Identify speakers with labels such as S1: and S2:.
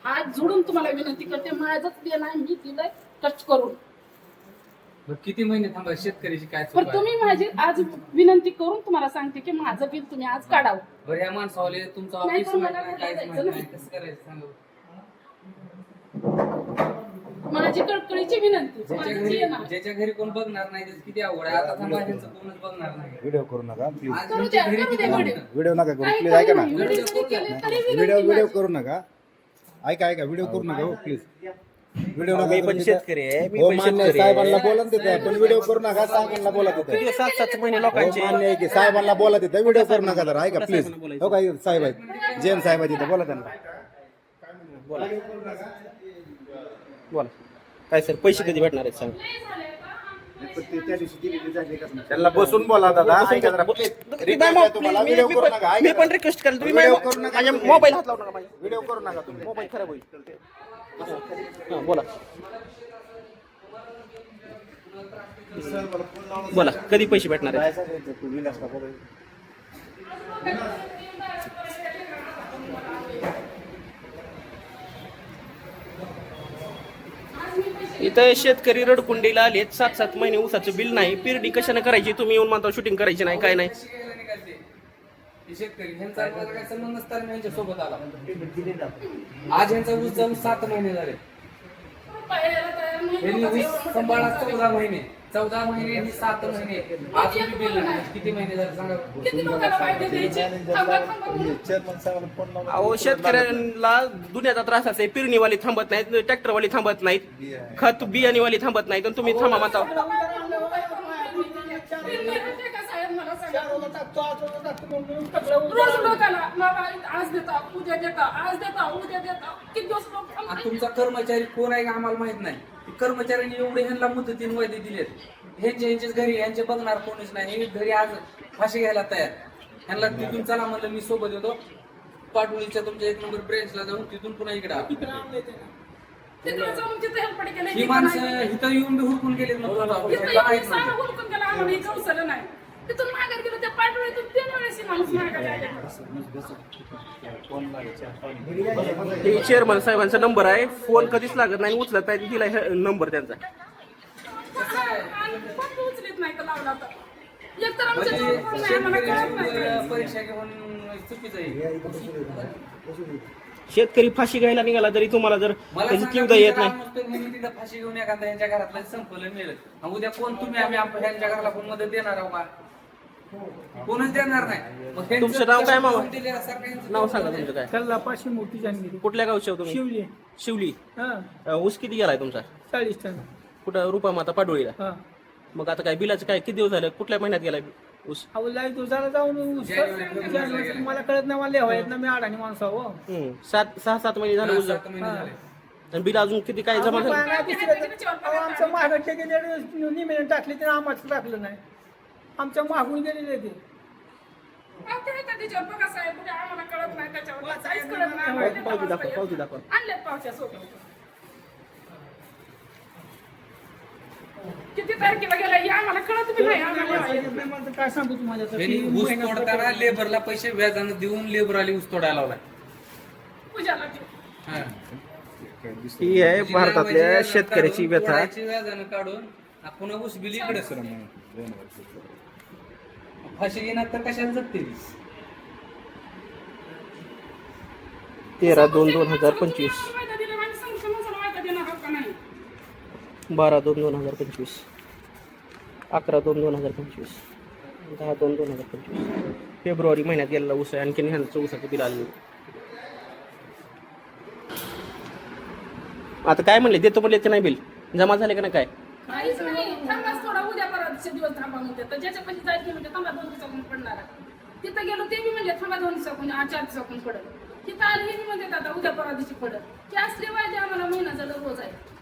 S1: हात जोडून तुम्हाला विनंती करते, माझंच बिल आहे, मी दिलंय टच करून.
S2: किती महिने थांबा शेतकऱ्याची काय चूक
S1: पण
S2: आहे?
S1: तुम्ही माझी आज विनंती करून तुम्हाला सांगते की माझं बिल तुम्ही आज काढावं.
S2: बरं या माणसावाले तुमचं
S1: नाही
S2: ऑफिस
S1: पण
S2: माहित
S1: मला
S2: नाही,
S1: नाही
S2: काहीच
S1: करायचं
S2: माहित नाही,
S1: ना.
S2: कसं करायचं सांगा बरं.
S1: माझी कळकळीची विनंती, माझं जे ना.
S2: ज्याच्या घरी कोण बघणार नाही त्याचं किती अवघड आहे. आता थांबा ह्यांचं कोणच बघणार नाही.
S3: व्हिडिओ करू नका प्लीज.
S2: आज
S1: करू
S2: तुमच्या
S1: द्या,
S2: घरी
S1: करू
S2: किती
S1: द्या
S2: बघणार?
S1: व्हिडिओ.
S3: व्हिडिओ नका करू
S1: काही
S3: प्लीज,
S1: करू
S3: ऐका ना.
S1: नाही. व्हिडिओ जरी केले तरी
S3: व्हिडिओ
S1: विनंती
S3: व्हिडिओ
S1: माझी.
S3: करू नका. ऐका व्हिडिओ करू नका हो प्लीज. व्हिडिओ नका
S4: मी
S3: करू
S4: पण
S3: तिथं.
S4: शेतकरी आहे, मी
S3: हो
S4: पण
S3: मान्य आहे,
S4: शेतकरी
S3: साहेबांना
S4: आहे.
S3: बोला तिथे, पण व्हिडिओ करू नका. साहेबांना बोला तिथे.
S4: किती 7-7 महिने
S3: हो
S4: लोकांचे
S3: मान्य आहे की साहेबांना बोला तिथे, व्हिडिओ करू नका जरा. ऐका प्लीज. हो काय साहेब आहेत, जैन साहेब आहेत तिथे, बोला त्यांना.
S4: बोला बोला काय सर, पैसे कधी भेटणार आहेत सांग.
S3: त्यांना बसून बोला दादा. ऐका जरा प्लीज. रिक्वेस्ट आहे तुम्हाला, व्हिडिओ करू नका.
S4: मी
S3: ऐका
S4: पण रिक्वेस्ट करेल, तुम्ही
S3: व्हिडिओ करू नका.
S4: माझ्या मोबाईल हात लावू नका. माझ्या
S3: व्हिडिओ करू नका तुम्ही.
S4: मोबाईल खराब होईल. बोला बोला कधी पैसे भेटणार आहेत? इथं शेतकरी रडकुंडीला आलेत, 7-7 महिने ऊसाचं बिल नाही. पिरडी कशाने करायची? तुम्ही येऊन म्हणता शूटिंग करायची नाही, काय नाही.
S2: पैसे घ्यायला निघाले ते. हे शेतकरी ह्यांचा माझा काय संबंध नसताना ह्यांच्या सोबत आला. आज ह्यांचा ऊस जाऊन 7 महिने झाले. यांनी ऊस सांभाळा 14 महिने. 14 महिने आणि 7 महिने. आज तुम्ही बिल नाही. किती महिने झाले सांगा.
S1: किती लोकांना फायदे द्यायचे? थांबा, थांबा.
S4: अहो शेतकऱ्यांना दुनियाचा त्रास असेल. पेरणीवाली थांबत नाहीत, ट्रॅक्टरवाली थांबत नाहीत, खत बियाणीवाली थांबत नाहीत, आणि तुम्ही थांबा म्हणता.
S1: रोज लोकांना बाबा आज देता, उद्या देता, आज देता, उद्या देता. किती दिवस लोक
S2: आणि
S1: थांबतात?
S2: तुमचा कर्मचारी कोण आहे का आम्हाला माहित नाही. कर्मचाऱ्यांनी एवढे ह्यांना मुदतीने वायदे दिलेत. ह्यांच्याच घरी ह्यांचे बघणार कोणीच नाही. हे घरी आज फाशी घ्यायला तयार. ह्यांना तिथून चला म्हणलं मी सोबत येतो. पाटोळीच्या तुमच्या 1 नंबर ब्रँचला जाऊन तिथून पुन्हा इकडे आलो.
S1: तिकडे जाऊन तिथे हेल्पडे केले.
S2: ही माणसं इथं येऊन बी हुडकून गेलेत ना तुमच्या
S1: तिथं
S2: ऑफिसला.
S1: येऊन
S2: माहित
S1: सारं
S2: नव्हतं.
S1: हुडकून गेलं, आम्हाला इथं उचललं नाही. तिथून माघारी गेलो, त्या पाठवडीतून 3 वेळेस ही माणूस माघारी आले.
S4: हे चेअरमन साहेबांचा नंबर आहे. फोन कधीच लागत नाही, उचलत नाही. दिला नंबर त्यांचा.
S1: आणि कोण उचलीत नाही तर लावला तर. एक तर आमच्या
S2: म्हणजे
S1: जवळ कोण नाही, आम्हाला कळत नाही.
S2: शेतकरी परीक्षा घेऊन चुकीचं आहे.
S4: शेतकरी फाशी घ्यायला निघाला तरी तुम्हाला जर
S2: मला
S4: त्याची
S2: सांगा,
S4: किवदा येत नाही.
S2: तुम्ही तिथं फाशी घेऊन एखादा यांच्या घरातलं संपलं मिळेल. उद्या कोण तुम्ही आम्ही यांच्या घराला कोण मदत देणार आहोत का? कोणच देणार नाही. मग त्यांचं
S4: तुमचं नाव काय मामा?
S2: दिल्यासारखं यांचं
S4: नाव सांगा तुमचं काय?
S5: त्याला पाचशे मोठी जाणगिरी
S4: कुठल्या गावचे हो तुम्ही?
S5: शिवली
S4: शिवली.
S5: हा
S4: ऊस किती गेलाय तुमचा?
S5: 40 टन.
S4: कुठं? रुपामाता पाडोळीला.
S5: हा
S4: मग आता काय बिलाचं काय किती दिवस झाले? कुठल्या महिन्यात गेलाय ऊस?
S5: अहो लाईट दिवसाला जाऊन
S2: जानेवारी
S5: मला कळत नाही, मला लिहावा येत ना, मी अडाणी माणूस आहो.
S4: 6-7 महिने झाले ऊस.
S2: 7 महिने झाले.
S4: आणि बिल अजून किती काय जमा झालं?
S5: आमचं मागडचे गेले निमेन टाकले ते आम्हाला टाकलं नाही. आमच्या मागून गेलेले ते.
S1: आमच्या इथं त्याच्यावर बघा साहेब, म्हणजे आम्हाला कळत नाही त्याच्यावर. काहीच कळत नाही. आम्हाला
S4: पावती दाखव, पावती दाखव.
S1: आणल्यात पावत्या सोबत. किती तारखेला गेला हे आम्हाला कळत बी नाही. आम्हाला
S5: मला तर काय सांगू तुम्हाला आता?
S2: त्यांनी
S5: ती
S2: ऊस
S5: महिना
S2: तोडताना लेबरला पैसे व्याजानं देऊन लेबर आली ऊस तोडायला लावलाय.
S1: पूजाला ठेव.
S2: हा.
S4: ही आहे भारतातल्या शेतकऱ्याची व्यथा.
S2: तोडायची व्याजानं काढून आपण ऊस बिल इकडे फाशी घेणार तर कशाला जगतील?
S4: 13/2/2025.
S1: वायदा दिला म्हणजे सांगतो माणसाला वायदा देणार आहोत का नाही?
S4: 12/2/2025. 11/2/2025. 10/2/2025. फेब्रुवारी महिन्यात गेलेला ऊस आहे. आणखीन ह्यांचं ऊसाचं बिल आलं. आता काय म्हणले? देतो म्हणले ते नाही बिल जमा झाले का नाही? काय
S1: काहीच नाही. थांबाच थोडा, उद्या परवाचे दिवस थांबा म्हणते. तर ज्याच्या पैसे जायचे म्हणजे थांबा 2 दिवसाकडून पडणार आहे. तिथं गेलो ते मी म्हणजे थांबा 2 दिवसाकडून 4 दिवसाकडून पडेल. तिथं आले हे मी म्हणते आता उद्या परवा दिवशी पडेल. की असले वायदे आम्हाला महिना झालं रोज आहे.